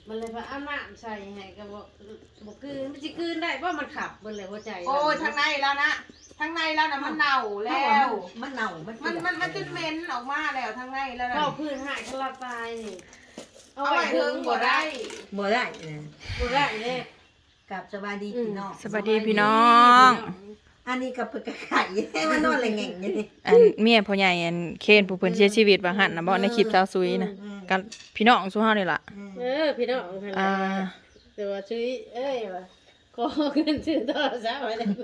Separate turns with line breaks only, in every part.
มันเลยว่าเอาน้ำใส่ให้ก็บ่คืนมันสิคืนได้เพราะมันขับเบิ่นเลยหัวใจ
โอ้ยทางในแล้วนะทางในแล้วนะมันเน่าแล้ว
มันเน่า
มันจนเหม็นออกมาแล้วทางในแล้วนะ
เข้าพื้นหายก็ละตายนี่
เอาไว้เถิงบ่ได้
บ่ได้
บ่ได้เด้
กับสบายดีพี่น้อง
สวัสดีพี่น้อง
อันนี้กับเพิ่นก็ไข่มันนอนแหล่งๆอยู่นี่
อันเมียพ่อใหญ่อันเคนผู้เพิ่นเสียชีวิตว่าหั่นน่ะบ่ในคลิปสาวซุยนะกับพี่น้องซุเฮานี่ล่ะ
พี่น้องหั่น
อ่า
แต่ว่าชื่อว่าขอเงินซื้อโทรศัพท์ไว้ได้บ่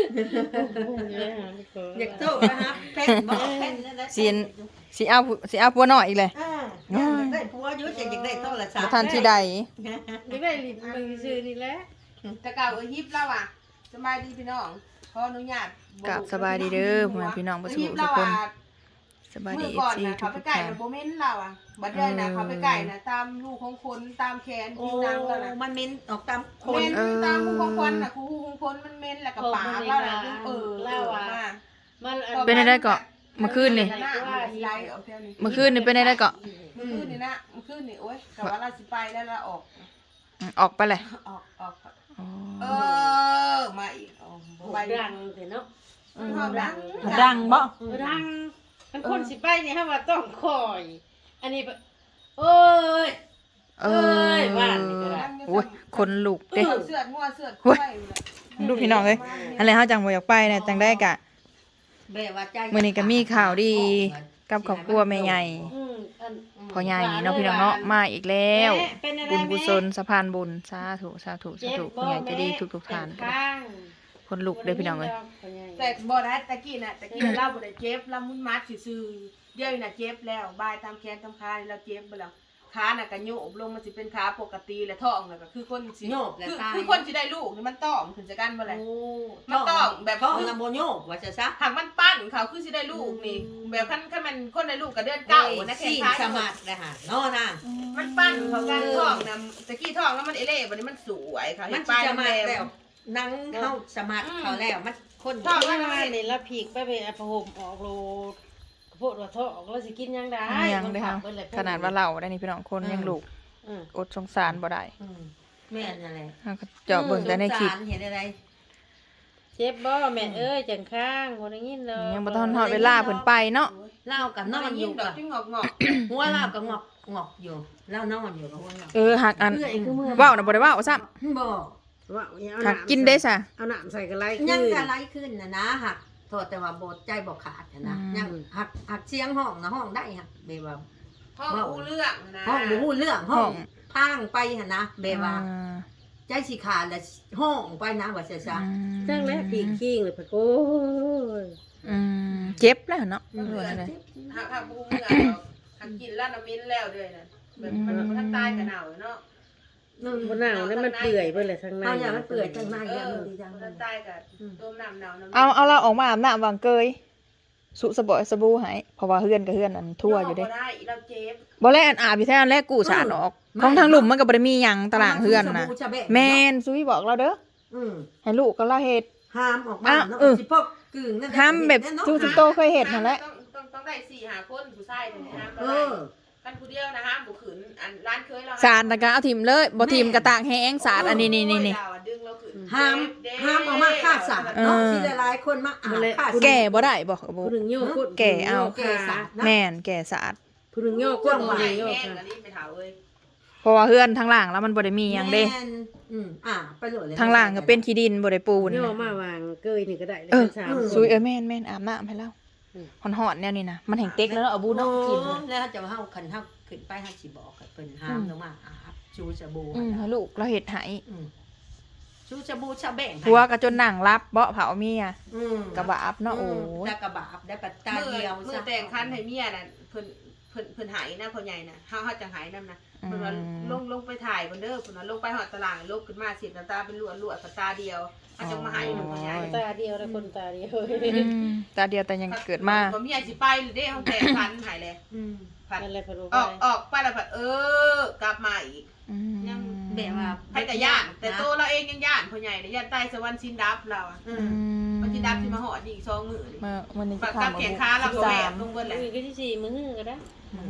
อยากโตนะครับแป้นบ่แป้นนั่นแหละ
สิเอาผัวน้อยอีกเลย
อยากได้ผัวอยู่อยากได้โทรศัพ
บ่
ท์
ทันสิได้
ไม่ได้ลิ้นมือซื้อนี่แหละ
แต่เก่าฮิปแล้วอ่ะสบายดีพี่น้องขออนุญาต
กับสบายดีเด้อพ่อแม่พี่น้องบ่สู้ทุกคนสบายดี
เมื่อก่อน
FC
นะ
ทุ
เขา
ก
ไป
ๆ
ไก่
ท่าน
นะโบเมนเราอ่ะบัดเดือนนะเขาไปไก่นะตามลูกของคนตามแขน
โอ้
ที่นางแล้วนะ
มันเม้นออกตามค
เม
น
นตามลูกของคนนะครูของคนมันเมนแล้วก็ปากแล้วนะเล่าอ่ะ
มัน
เป็นได้เกาะเมื่อคืนนี่ เมื่อคืนนี่เป็นได้เกาะ
เมื่อคืนนี่นะเมื่อคืนนี่โอ๊ยกับว่าเราสิไปแล้วเราออก
ออกไปเลย
ออก
อ๋อ
มาอีกไป
ดังเถอะเนาะ
ดังบ่
ดังมันคนสิไปนี่ฮะว่าต้องคอย อันนี้โอ้ย บ้านนี่ก็ได้
โอ้ยคนลุกเด้
เสือดงัวเสือดกล้วย
ดูพี่น้องเอ้ยอะไรเฮาจังบ่อยากไปน่ะจังได้กะ
แบบว่าใจ
มื้อนี้ก็มีข่าวดีกับครอบครัวแม่ใหญ่พ่อใหญ่เนาะพี่น้องเนาะมาอีกแล้วบุญกุศลสะพานบุญสาธุสาธุสาธุพ่อใหญ่ใจะดีทุกๆท่านคนลุกเด้อพี่น้องเอ้ย
แต่บ่ได้ตะกี้น่ะเล่าบ่ได้เจ็บเรามุนมัดซื่อเดี๋ยวน่ะเจ็บแล้วบายตามแขนตามขาเราเจ็บบ่แล้วขาน่ะก็โยกลงมันสิเป็นขาปกติและท้องน่ะก็คือคนสิคือคนสิได้ลูกนี่มันต้องขึ้นจากกันบ่แหละ มันต้องแบบ
ท้องลำโบโยกว่าจะซะ
หากมันปั้นเขาคือสิได้ลูกนี่แบบคันมันคนได้ลูกก็เดือนเก้านะแค่
สี่
ขา
สมัครเลยค่ะนอน่ะ
มันปั้นเขากันท้องนะตะกี้ท้องแล้วมันเอเล่บัดนี้มันสวยค่ะ
มัน
ไป
สมัครแล้วนั่งเข้าสมัครเขาแล้วมันคน
ท้องแล้วนี่ละผีกไปอภห่มออกโลโพดว่าท้องออกแล้วสิกินยังได้
ยังได้ครับขนาดว่าเราได้นี่พี่น้องคนยังลูกอดสงสารบ่ได้
แม่นั่นแหละ
เฮาก็เจาะเบิ่งแต่ในคลิป
เห็นอะไร
เจ็บบ่แม่เอ้ยจังข้างบ่ได้ยินเลย
ยังบ่ทันฮอดเวลาเพิ่นไปเนาะ
เล่ากับนอนอยู่
ดอ
กั
ก
บ
จิ้งงอก
หัวเล่ากับงอกอยู่เล่านอนอยู่กับหัวเล่า
หักอันเว้าน่ะบ่ได้เว้าซ้ำ
บ่
ว่า
หักกินได้ซะ
เอาน้ำใส่กันไร
ยังกะไรขึ้นนะหักโทษแต่ว่าโบดใจบ่ขาดนะยังหักเสียงห้องนะห้องได้หักเบว่า
ๆห้องอู้เรื่องนะ
ห้องบ่ฮู้เรื่องห้องพังไปหั่นนะเบว่าใจสิขาดแล้วห้องไปนะว่าซะ
จังแล้วผีขี้งเลยพะโอ้ย
เจ็บแล้วเนาะ
หักอู้เรื่องหักกินแล้วน้ำมิ้นแล้วด้วยนะแบบมันทันตายกันหนาวเนาะ
บนหนาวนั่นมันเปื่อยไปเลยทางใน
เอาอย่างมันเปื่อยจังไรอย่างมันดีจัง
ทันตายกับต้มน้ำหนาวน้ำ
เอาเราออกมาอาบน้ำวางเกยสุสบ่อยสบู่ให้เพราะว่าเฮือนกับเฮือนอันทั่วอยู่เด้
ได้เราเจ็บ
บ่แลอันอาบอยู่แท้อันแรกกู้สารออกของทางหลุมมันก็บ่ได้มีหยังตารางเฮือนน่ะแม่นซุยบอกเราเด้อให้ลูกก็เราเฮ็ด
ห้ามออกมาเนาะสิพวกกึ่งนั่น
ห้ามแบบทุกโตเคยเฮ็ดนั่นแหละ
ต้องได้4-5คนผู้ชายถึงห้ามก็
เอ
ได้
อ
กันผู้เดียวนะห้ามบุขืนอันร้านเคยเรา
สารน่ะก็เอาทิ่มเลยบ่ทิ่มก็ตากแห้งสารอันนี้นี่
ดึงเราขืน
ห้ามออกมาฆ่าสัตว์เนาะที่หลายๆคนมาอาบฆ่าสัตว์
แก่บ่ได้บ่บ่
ผู้หนึ่งโยกพูด
แก่เอา
แก่สัตว์นะ
แม่นแก่สาร
ผู้หนึ่งโยก
ก
พู
ว้า
ด
ง
ผู้
ให
ห
ญ่
นึ่งโยก
แห้ง
ค่ะ
อันนี้ไปเถาเอ้ย
เพราะว่าเฮือนทางล่างแล้วมันบ่ได้มีหยังเด้
ไปโหลดเลย
ทางล่างก็เป็นขี้ดินบ่ได้ปูน
โยกมาวางเกยนี่ก็ได้สาม
ซุยแม่นอาบน้ำให้แล้วหอนๆแนวนี้นะมันแห้งเต็กแล้วเนาะเอาบูเนาะกิน
แล้วจะเฮาคันเฮาขึ้นไปเฮาสิบอกให้เพิ่นห้ามลงมาอาบชูสบู่
ให้ลูกเราเฮ็ดให้
ชูสบู่ชะแบ่ง
ผัวก็จนนั่งรับเบาะเผาเมียกระบาบเนาะโอ้ย
ตากระบาบได้ปัตตาเดียว
มือแต่งคันให้เมียน่ะเพิ่นหายนะพ่อใหญ่น่ะเฮาจังหายนำนะเพิ่นว่าลงไปถ่ายเพิ่นเด้อเพิ่นว่าลงไปฮอดตารางลบขึ้นมาสิน้ำตาเป็นลวดตาเดียวอาจจะมาหายพ่อใหญ่
ตาเดียวแล้วคนตาเดียว
ตาเดียวแต่ยังเกิดมา
บ่มีอันสิไปเด้เฮาแต่งคันหายเลยผัด
นั่นแหละพะโล้
ออกไปแล้วผัดกลับมาอีกยัง
แบบว่า
ให้แต่ย่านแต่โตเราเองยังย่านพ่อใหญ่เนี่ยย่านใต้สวรรค์ชินดับเราอ่ะมันชินดับสิมาหอดอีก2มื้อนี่
วันนี้
ฝั
จะ
กกับ
ทำ
แขนขาเราก็แหวกลงเบิดแหละ
มือก็ที่4มื้อก็ได้
อ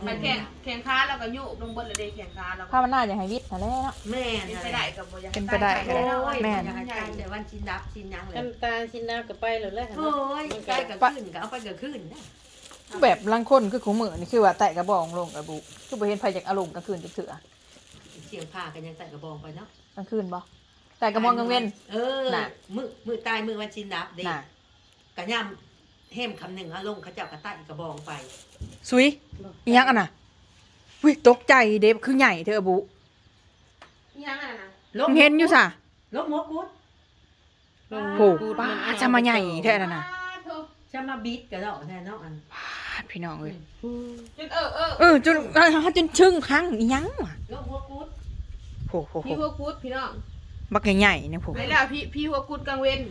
มันแข่งขาแล้วก็โยกลงบนเลยเด้แข่งขาแล้ว
ถ้ามันน่าจะให้วิทย์นั่นแหละเนาะ
แม่
เป็น
น
ไปได้กับบ่อยาก
เป็นไปได้ก็ได้ แม่น
อยากให้ตายแต่วันชินดับชินยังเลย
น้ำตาลชิ้นน้ำก็ไปเลยเลย
โอ้ยใกล้กับขึ้นก็เอาไปกับขึ้นนะ
แบบลังคนคือของมือนี่คือว่าแตะกระบองลงกระบุคือบ่เห็นไผจากอารมณ์กลางคืนจักเถื่อ
เสียงผ้ากันยังใส่กระบองไปเนาะ
กลางคืนบ่แต่กระบองกลางเว้น
เออมือตายมือวันชินดับเด็ก
น่ะ
กะย่ำเhemคำหนึ่งลงเขาเจ้ากระตั้งกระบองไป
สุยอีหยังอ่ะน่ะวิตกใจเด็บคือใหญ่เธออบุ
ยังอ่ะนะ
มึงเห็นอยู่ซะ
ลบหัวกุด
โหป้าจะมาใหญ่แท้นั่นน่ะ
จะมาบีดกันแล้วแน่เนาะอัน
พาดพี่น้องเอ้ย
จน
จนชึ่งครั้งอีหยังวะ
ลบหัวกุด
โห
พี่หัวกุดพี่น้อง
บักใหญ่ๆเนี่ยผม
ไปแล้วพี่หัวกุดกลางเว้น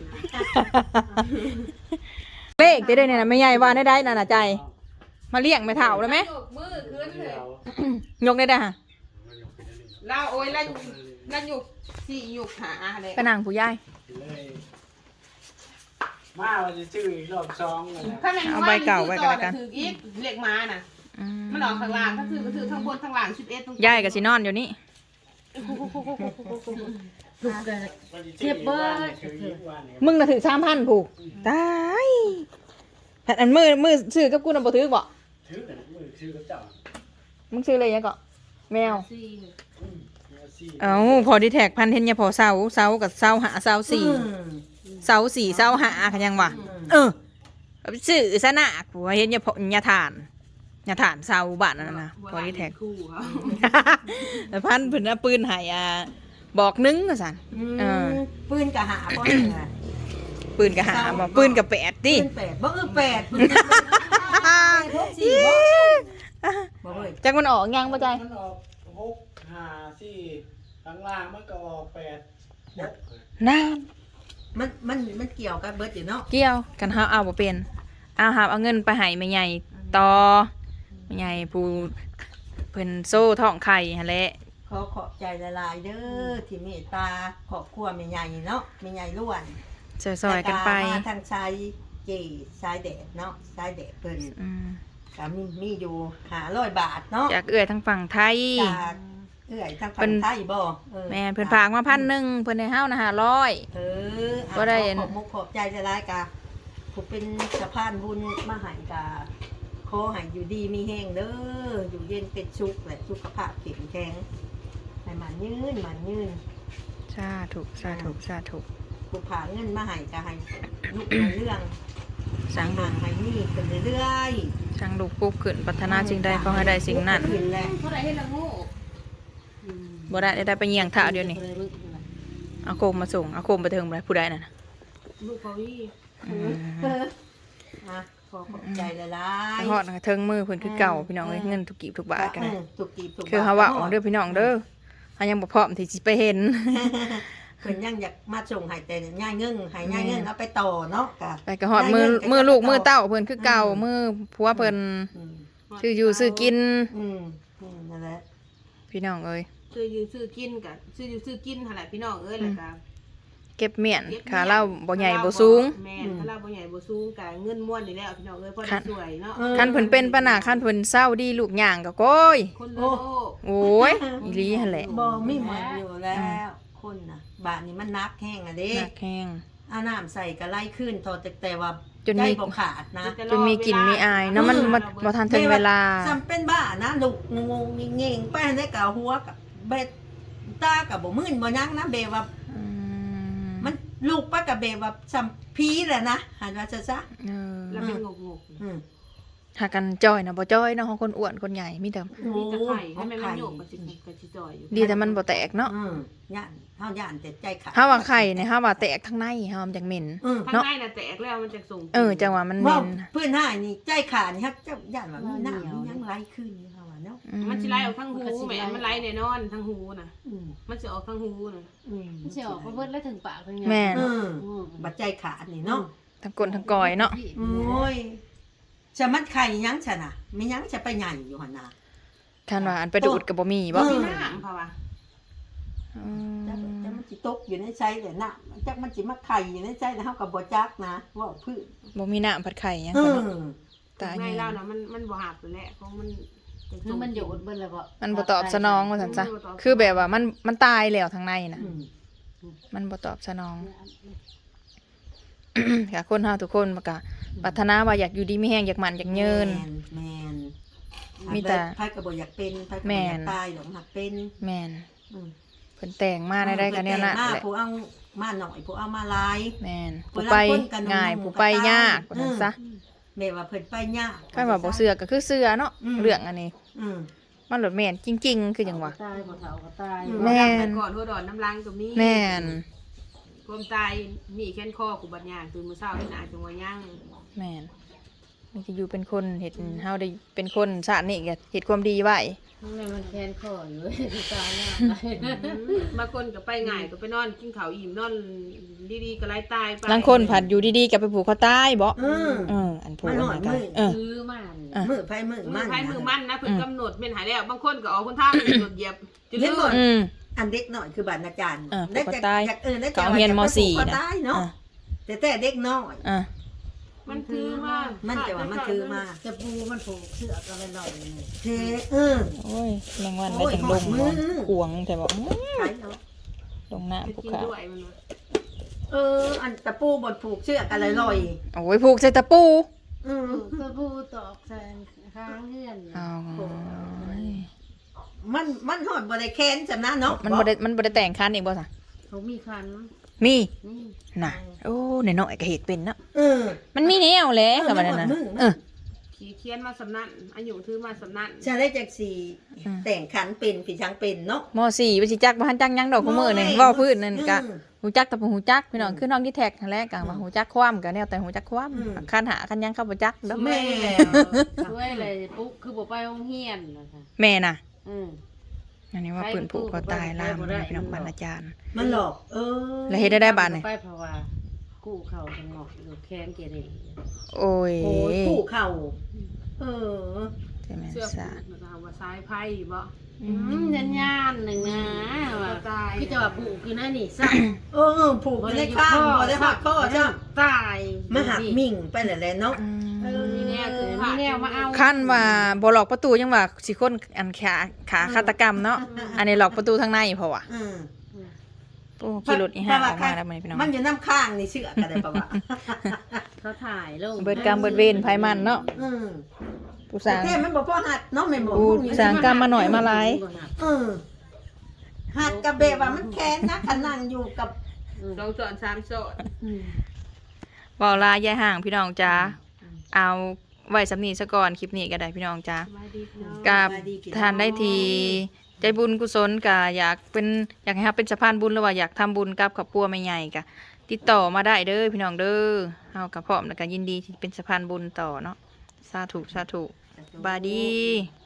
เลขได้เนี่ยนะไม่ใหญ่ว่าได้นั่นน่ะใจ มาเลี้ยงไม่เท่าได้ไหม
ยกมือขึ้นเลย
ยกได้ฮะ
เราโอ้ยแล้วหยุกสี่หยุกหาอะไร
ไปนั่งผู้ใหญ่
มาว่าจะชื่ออีกรอบสองเลยนะ
ถ้ามัน
เอาใบเก่าไว้กันแล้วกัน
ถืออีกเล็กมาน่ะมันออกข้างล่างก็ถือทั้งบนทั้งล่าง11ตรง
ยายกับสินอนอยู่นี่
เจ็บเบิร์ดคืออีกวันเนี่ย
มึงน่ะถือ3,000ผูกตายแผ่นอันมือซื้อกับกูน่ะบ่ถือบ่
ถือกันมือถือกับเจ้า
มึงซื้ออะไรยังก็แมว
สี่
เนี่ยซี่
เอ้าพอดีแท็กพันเทนยาพอเสากับเสาหาเสาสี่เสาสี่เสาหากันยังวะซื้อซะนะผัวเห็นยาพอยาฐานเสาบ้านนั่นนะพอดีแท็ก
คู่เขา
แต่พันเพิ่นเอาปืนให้บอกนึงว่าซั่น
ปืนกะหาบ่เนี่ย
ปืนก็หาบ่ปืนก็แปดติ
ปืน8บ่8ปืนพก4บ่เว้ย
จักมันออกยังบ่ใจ
มันออก6 5 4ข้างล่างมันก็ออก8 6
น้า
มันเกี่ยวกับเบิดอยู่เนาะ
เกี่ยวกันเฮาเอาบ่เป็นเอาเงินไปให้แม่ใหญ่ต่อแม่ใหญ่ผู้เพิ่นโซ่ท้องไข่หั่นแหละ
ขอบใจหลายๆเด้อที่เมตตาครอบครัวแม่ใหญ่เนาะแม่ใหญ่ล้วน
ซอยๆกันไป
มาทางชายเจชายแดดเนาะชายแดดเพิ่น
อืม
ก็มีอยู่500 บาทเนาะ
จากเอื้อยทางฝั่งไทย
จากเอื้อยทางฝั่งไทยบ่
แม่เพิ่นฝากมา1,000เพิ่นให้เฮานะ500 บ่ได้
ขอบมุกขอบใจหลายๆกะผู้เป็นสะพานบุญมาให้กะขอให้อยู่ดีมีแห้งเด้ออยู่เย็นเป็นสุขและสุขภาพแข็งแรงให้มันยืน
สาธุ
ผู้ผ่าเงินมาให้กะให้ลูกในเรื่อง
สัง
ห่างให้นี่ขึ้นเรื่อย
สังลูกปุ๊บขึ้นปรารถนาสิ่งใดขอให้ได้สิ่งนั้น
ขึ้นแหละ
เท่าไหร่ให้ละโง่
บ่ได้ไปเยียงท่าเดียวนี่เอาโคมมาส่งเอาโคมไปเทิงบ่ได้ผู้ใดนั่นน่ะ
ลูกเขาวี่
อ่ะขอบใจหลาย
ฮอดเทิงมือเพิ่นคือเก่าพี่น้องเอ้ยเงินทุกกีบทุกบาทกัน
ถูกกีบถูก
คือเฮาว่าออกเด้อพี่น้องเด้อเฮายังบ่พร้อมที่สิไปเห็น
เพิ่นยังอยากมาส่งให้แต่ย่ายเงินให้ย่ายเงินเอาไปต่อเนาะกะ
ไปก็ฮอดมือลูกมือเต้าเพิ่นคือเก่ามือผัวเพิ่น
อืม
ซื้ออยู่ซื้อกิน
นั่นแหละ
พี่น้องเอ้ย
ซื้อกินกับซื้อกินหั่นแหละพี่น้องเอ้ยแล้วก็
เก็บเมียนขาเราบ่ใหญ่บ่สูง
แม่นถ้าเราบ่ใหญ่บ่สูงก็เงินม้วนนี่แหละพี่น้องเอ้ยพอได้สวยเนาะ
คันเพิ่นเป็นปะน่ะคันเพิ่นเศร้าดีลูกย่างก็โก้ย
คนละโลก
โอ้ยอีหลีหั่นแหละ
บ่มีหมดอยู่แล้วคนน่ะบาทนี้มันนักแห้งอ่ะเด้
หนักแห้ง
เอาน้ำใส่ก็ไล่ขึ้นทอแต่ว่า
จนมี
ใจบ่ขาดนะ
จนมีกลิ่นมีอายเนาะมันบ่ทันถึงเวลา
จำเป็นบ้านะลูกงงๆเง่งๆไปได้กะหัวกับเบ็ดตากับบ่มื่นบ่ยั้งนะเบว่า
อืม
มันลูกป้ากับเบว่าสัมพีแหละนะหันว่าซะ
เออ
แล้วเป็นงก
อืม
หากันจ้อยนะบ่จ้อยเนาะของคนอ้วนคนใหญ่มีแต่
ๆมีแต่ไข่ให้มันโยกก็สิจ่อยอยู่
ดีแต่มันบ่แตกเนาะ
ย่านเฮาย่านแต่ใจขาด
เฮาว่าไข่เนี่ยเฮาว่าแตกทั้งในเฮามันจังเหม็น
ข้างในน่ะแตกแล้วมันจะส่ง
จังว่ามันเหม็
ว่าน เพื่อนหายนี่ใจขาดนี่ครับเจ้าย่านว่ามีน้ำมียังไหลขึ้นนี่เฮาว่าเนาะ
มันสิไหลออกทางหูแม่มันไหลแน่นอนทางหูน่ะ
อืม
มันสิออกทางหูน่ะ
อืม
มันสิออกมาเบิดแล้วถึงปากถึง
แม่น
บัดใจขาดนี่เนาะ
ทั้งก้นทั้งกอยเนาะ
โอ้ยจะมันไข่ยังฉันน่ะมียังจะไปใหญ่อยู่หั่นน่ะ
คันว่าอันไปดูดก็บ่มีบ่
มีน้ำค่ะว่า
อืม
จักมันสิตกอยู่ในใจเลยน่ะจักมันสิมาไข่อยู่ในใจแล้วเฮาก็บ่จักนะว่าพื้น
บ่มีน้ำผัดไข่หยัง
เอ
ก็
อ
เนาะตาย
ใน
แน่
เราน่ะมันบ่หักแหละของมัน
คือมันโยดเบิ่นแล้วบ่
มันบ่ตอบสนองว่าซั่นซะคือแบบว่ามันตายแล้วทางในน่ะ
อืม
มันบ่ตอบสนอง ค่ะคนเฮาทุกคนมันก็ปรารถนาว่าอยากอยู่ดีมีแฮงอยากหมั่นอยากยืน
แม่น
มีแต่
ไผก็บ่อยากเป็นไผก็
แม่
บ่อยาน กตายดอกหักเป็น
แม่น
อืม
เพิ่นแต่งมาได้กันแนวนั้น
มา
แหละ
ผู้เอามาหน่อยผู้เอามาหลาย
แม่น
เว
ผู้
ลา
ไป
คนกัน
ง่าย
หมู่
ผู้ไป
กันตาย
ยากว่าซั่นซะ
แม่ว่าเพิ่นไปยาก
คันว่าบ่เชื่อก็คือเชื่อเนาะ
อืม
เรื่องอันนี้
อืม
มันหลดแม่นจริง ๆ คือจังว่า
ตายบ่เฒ่าก็ตาย
แม่น
ก่อนหัวดอนน้ำลังก็มี
แม่น
ความตายมีแค้นคอกูบัดย่างตื่นมื้อเช้าเห็นหน้าจังว่าย่าง
แม่นมีจะอยู่เป็นคนเฮ็ดเฮาได้เป็นคนชาตินี้ก็เฮ็ดความดีไว้
มันแค้นคออยู่ตายแล้ว
บางคนก็ไปง่ายก็ไปนอนกินข้าวอิ่มนอนดีๆก็ไล่ตายไป
บางคนผัดอยู่ดีๆก็ไปผูกคอตายบ่ อันผูก
มันหอด
กั
มื
น
อ
ซื้อมานี่
มือไผมือ
มื
มั
อน ไผมือมันนะเพิ่นกำหนดเป็นหายแล้วบางคนก็ออกคนทางหนดเหยียบจะ
เห็
ลื
น
ม
บ่
อืม
อันเด็กหน่อยคือบ้านอาจารย์
ผูกคอตาย
ได้
เขาเรียนม .4
นะ
นะ
เนาะแต่เด็กน้อย
อ่ะ
มันคือมา
มันจะว่ามันคือมา
จะปูมันผูกเสือกอะไรหน่อยนี่
เทเ
โอ้ยแมงวัน
โอ้
ได้
ย
จังลง
หอดมือ
ขวงแต่บอก
ใช่เนาะ
ลงหน้า
จะ
ผูก
กิน
ขา
ด้วยมันว่า
อันตะปูบดผูกเชือกอะไรลอย
โอ้ยผูกใส่ตะปู
ก็ปูตอกใส่ข้างเฮือน
เอา
มันหอดบริแคนจำนะเนาะ
มันบ่ได้แต่งคันเองบ่ซะ
เขามีคัน
มี
นี่
น่ะโอ้น้อยๆก็เฮ็ดเป็นเนาะ
เออ
มันมีแนวแหละกับมันน่ะ
มือ
ขี่เคียนมาสำนักอายุถือมาสำนัก
จะได้จากสี่แต่งขันเป็นผีช้างเป็นเนาะ
ม.4บ่สิจักบ่ทันจักหยังดอกคุมื้อนี่เว้าพื้นนั่นก็ฮู้จักแต่บ่ฮู้จักพี่น้องคือน้องที่แท็กนั่นแหละก็ว่าฮู้จักความก็แนวแต่ฮู้จักความคันหาคันหยังเข้าบ่จักดอก
แม่
ช่วยเลยปุ๊บคือบ่ไปโรงเรียนนะคะ
แม่น่ะ
อืม
อันนี้ว่าปืนผูกคอตายล่ามนะพี่น้องบรรณาจารย์
มันหลอก
แล้วเฮ็ดได้บาดนี่
ไปเพราะว่ากู้เขาจังหวะอยู่แค้นเกเร
โอ้ย
โอ้ยผูกเข่า
ใช่ไหม
เสื้อ
ซะ
ผูกมันว่าซ้ายไพ่บ่
ยันยานหนึ่งนะว่า
ตาย
พี่จะว่าปลูกคือนั่นนี่ซะ
ผูกไม่ได้ข้างบ่ได้หักข้อจ้ะ
ตาย
มาหักมิ่งไปแหละเนาะ
มีแนวคือมีแนวมาเอา
ขั้นว่าบ่หลอกประตูยังว่าสิคนอันขาฆาตกรรมเนาะอันนี้หลอกประตูทางในเพราะว่าโอ้ขี่รถอีห่าออกมาแล้วมื้อนี้พี่น้อง
มันอยู่น้ำข้างนี่เชื่อกันได้ปะวะ
เขาถ่ายลง
เบิดกรรมเบิดเวรไผมันเนาะผู้สร้าง
แท้มันบอกพ่อหัดเนาะแม่บอก
ผู้สร้างกรรมมาหน่อยมาหลาย
หัดกับแบบว่ามันแค้นนะขนั่งอยู่กับ
สองสอนสามสอน
เว้าลายายห่างพี่น้องจ้าเอาไว้สำนี้ซะก่อนคลิปนี้ก็ได้พี่น้องจ้า
มาดีเนาะ
กับทานได้ทีใจบุญกุศลก็อยากให้ครับเป็นสะพานบุญหรือว่าอยากทำบุญกับครอบครัวแม่ใหญ่ก็ติดต่อมาได้เด้อพี่น้องเด้อเฮากับพร้อมแล้วก็ยินดีที่เป็นสะพานบุญต่อเนาะสาธุบายดี